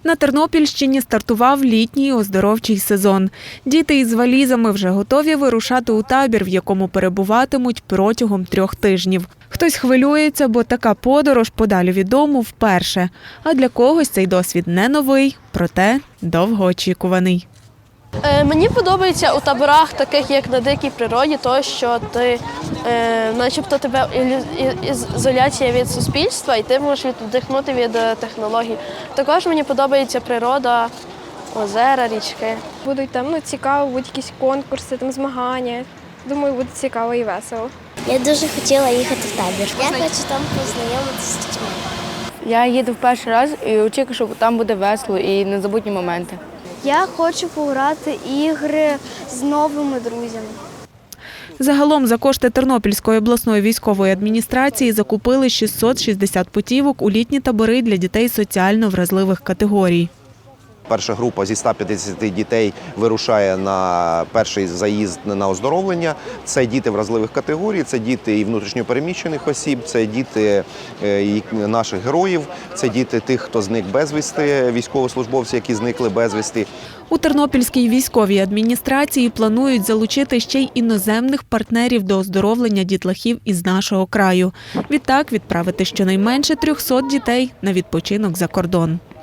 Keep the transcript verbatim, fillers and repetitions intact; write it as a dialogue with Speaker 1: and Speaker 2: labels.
Speaker 1: На Тернопільщині стартував літній оздоровчий сезон. Діти із валізами вже готові вирушати у табір, в якому перебуватимуть протягом трьох тижнів. Хтось хвилюється, бо така подорож подалі від дому вперше. А для когось цей досвід не новий, проте довгоочікуваний.
Speaker 2: Мені подобається у таборах, таких як на дикій природі, то, що ти, е, начебто тебе ізоляція від суспільства і ти можеш віддихнути від технологій. Також мені подобається природа, озера, річки.
Speaker 3: Будуть там ну, цікаво, будуть якісь конкурси, там, змагання. Думаю, буде цікаво і весело.
Speaker 4: Я дуже хотіла їхати в табір. Я хочу там познайомитися з дітьми.
Speaker 5: Я їду в перший раз і очікую, що там буде весело і незабутні моменти.
Speaker 4: Я хочу пограти ігри з новими друзями.
Speaker 1: Загалом за кошти Тернопільської обласної військової адміністрації закупили шістсот шістдесят путівок у літні табори для дітей соціально вразливих категорій.
Speaker 6: Перша група зі ста п'ятдесяти дітей вирушає на перший заїзд на оздоровлення. Це діти вразливих категорій, це діти і внутрішньо переміщених осіб, це діти наших героїв, це діти тих, хто зник безвісти, військовослужбовці, які зникли безвісти.
Speaker 1: У Тернопільській військовій адміністрації планують залучити ще й іноземних партнерів до оздоровлення дітлахів із нашого краю. Відтак відправити щонайменше трьохсот дітей на відпочинок за кордон.